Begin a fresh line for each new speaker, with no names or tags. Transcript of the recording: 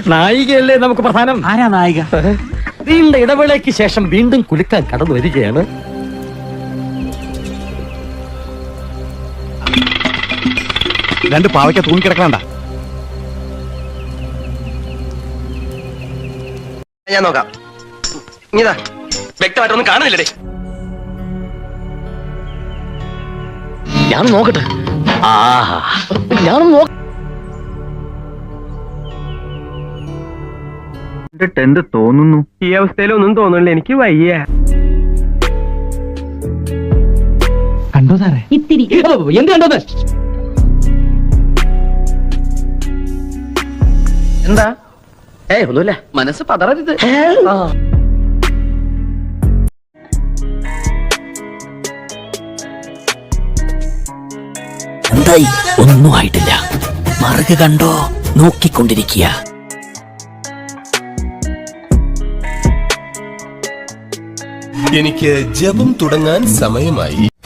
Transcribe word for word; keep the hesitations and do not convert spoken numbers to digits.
നായികയല്ലേ നമുക്ക് പ്രധാനം.
ആരാ നായിക?
നീണ്ട ഇടവേളയ്ക്ക് ശേഷം വീണ്ടും കുലുക്കാൻ കടന്നു വരികയാണ്.
രണ്ട് പാവയ്ക്ക തൂങ്ങിക്കിടക്കണ്ട.
ഞാൻ നോക്കാം. ഇതാ വ്യക്തമായിട്ടൊന്നും കാണുന്നില്ലേ?
ഞാൻ നോക്കട്ടെ. ആഹാ, ഞാൻ നോക്ക.
എന്ത് തോന്നുന്നു?
ഈ അവസ്ഥയിലൊന്നും തോന്നുന്നില്ല, എനിക്ക് വയ്യ.
കണ്ടോ സാറേ?
ഇത്തിരി എന്ത് കണ്ടത്?
എന്താ?
ഏ ഒന്നുമില്ല, മനസ്സ് പതറരുത്.
എന്തായി? ഒന്നും ആയിട്ടില്ല. മറുക കണ്ടോ? നോക്കിക്കൊണ്ടിരിക്കുക.
എനിക്ക് ജപം തുടങ്ങാൻ സമയമായി.